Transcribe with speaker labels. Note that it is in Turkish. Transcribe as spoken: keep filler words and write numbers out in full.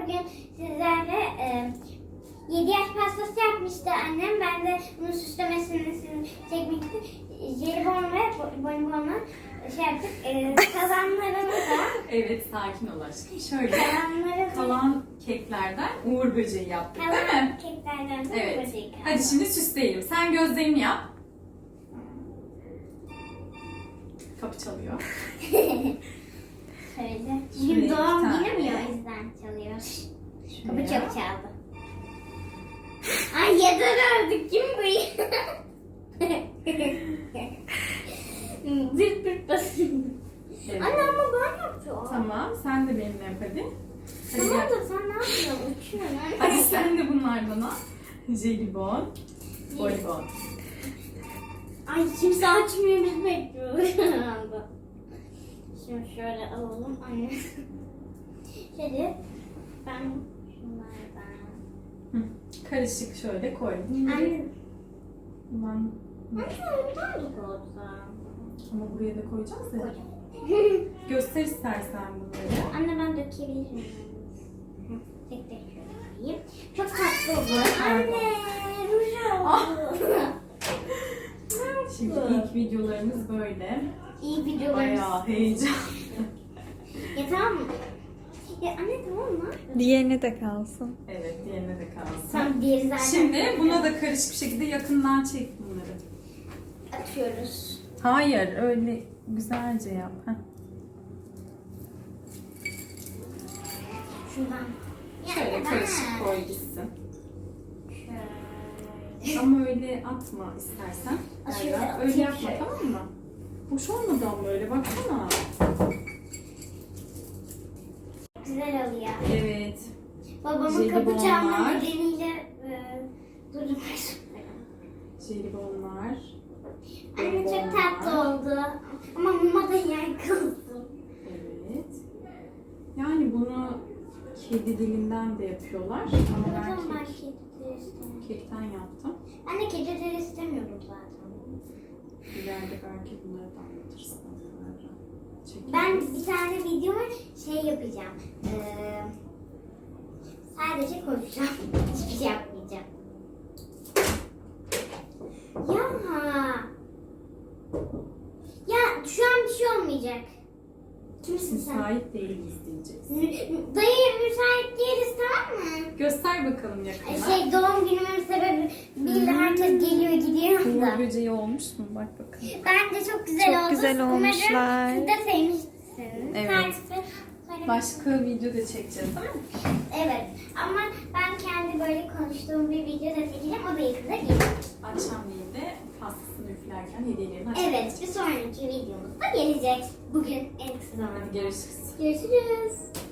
Speaker 1: bugün sizlerle e, yedi yaş pastası yapmıştı annem. Ben de bunun süslemesini çekmek için jelibon ve bonibonla şey yaptık. E, kazanlarımı da
Speaker 2: Evet, sakin ol aşkım. Şöyle
Speaker 1: kalanları
Speaker 2: kalan keklerden Uğur böceği yaptık değil
Speaker 1: kalan
Speaker 2: mi?
Speaker 1: keklerden de
Speaker 2: Evet.
Speaker 1: böcek kaldı.
Speaker 2: Hadi şimdi süsleyelim. Sen gözlerini yap. Kapı çalıyor.
Speaker 1: Şöyle.
Speaker 2: Şuraya
Speaker 1: Bugün
Speaker 2: bir
Speaker 1: doğum
Speaker 2: tane.
Speaker 1: günüm ya, o yüzden çalıyor. Kapı
Speaker 2: Şuraya.
Speaker 1: çok çaldı. Ay yeter artık, kim bu ya? Zırt pırt basın.
Speaker 2: Evet.
Speaker 1: Anne ama ben yapıyorum.
Speaker 2: Tamam, sen de benimle yap hadi. Hadi
Speaker 1: Tamam
Speaker 2: gel.
Speaker 1: da sen ne yapıyorsun? Uçuyorsun anne.
Speaker 2: Hadi sen de bunlardan al. Jelibon, bonibon.
Speaker 1: Ay kimse açmıyor, biz bekliyoruz. Şimdi şöyle alalım anne. Şöyle ben şunlardan.
Speaker 2: Hı. Karışık şöyle koy.
Speaker 1: Anne.
Speaker 2: Bundan...
Speaker 1: Anne bir tane koysam.
Speaker 2: Ama buraya da koyacağız ya. Göster istersen bunları.
Speaker 1: Anne ben dökebilirim. Tek tek şöyle koyayım. Çok tatlı oldu. Anne ruj oldu.
Speaker 2: Şimdi ilk videolarımız böyle.
Speaker 1: İyi videolarımız.
Speaker 2: Bayağı heyecan.
Speaker 1: Ya tamam mı? Ya anne tamam mı?
Speaker 3: Diğerine de kalsın.
Speaker 2: Evet, diğerine de kalsın.
Speaker 1: Tamam, diğeri zaten.
Speaker 2: Şimdi buna da karışık bir şekilde yakından çek bunları.
Speaker 1: atıyoruz.
Speaker 2: Hayır, öyle güzelce yap. Heh.
Speaker 1: Şundan.
Speaker 2: Şöyle
Speaker 1: Ya,
Speaker 2: karışık
Speaker 1: ben-
Speaker 2: koy gitsin.
Speaker 1: Şöyle.
Speaker 2: Ama öyle atma istersen.
Speaker 1: Aa,
Speaker 2: Derya.
Speaker 1: şöyle atayım
Speaker 2: Öyle yapma,
Speaker 1: şöyle.
Speaker 2: tamam mı? Hoş olmadı ama öyle, baksana.
Speaker 1: Güzel oluyor.
Speaker 2: Evet.
Speaker 1: Babamın kapı
Speaker 2: Jelibonlar.
Speaker 1: çalma nedeniyle e, durdurmak
Speaker 2: Jelibonlar.
Speaker 1: Anne çok
Speaker 2: bonibonlar.
Speaker 1: tatlı oldu. Ama muma da yer kalsın.
Speaker 2: Evet. Yani bunu kedi dilinden de yapıyorlar. Ama
Speaker 1: O
Speaker 2: ben
Speaker 1: zaman ben
Speaker 2: kek,
Speaker 1: kedi dili istemiyorum.
Speaker 2: kekten yaptım.
Speaker 1: Ben de kedi dili istemiyorum zaten.
Speaker 2: İleride belki bunları da anlatırsın. Çekeriz.
Speaker 1: Ben bir tane videoma şey yapacağım. Ee, sadece konuşacağım. Hiçbir şey yapmayacağım. Ya. Ya şu an bir şey olmayacak. Kimsin sen?
Speaker 2: Müsait değiliz diyeceksin.
Speaker 1: Mü- Dayı müsait değiliz, tamam mı?
Speaker 2: Göster bakalım yakına.
Speaker 1: Şey doğum günümün sebebi bil herkes geliyor gidiyor
Speaker 2: Uğur
Speaker 1: da.
Speaker 2: böceği olmuş mu? Bak bakalım.
Speaker 1: Bence çok güzel
Speaker 3: Çok
Speaker 1: oldu.
Speaker 3: güzel
Speaker 1: Umarım
Speaker 3: olmuşlar.
Speaker 1: siz de sevmişsiniz.
Speaker 2: Evet.
Speaker 1: Tarifi söylemek-
Speaker 2: Başka video da çekeceğiz değil mi?
Speaker 1: Evet ama ben kendi böyle konuştuğum bir video da çekeceğim. O da yakında gelir.
Speaker 2: Akşamleyin de pastasını üflerken hediyelerini açacağız.
Speaker 1: Evet, bir sonraki videomuzda gelecek. Bugün en kısa zamanda.
Speaker 2: Hadi görüşürüz.
Speaker 1: Görüşürüz.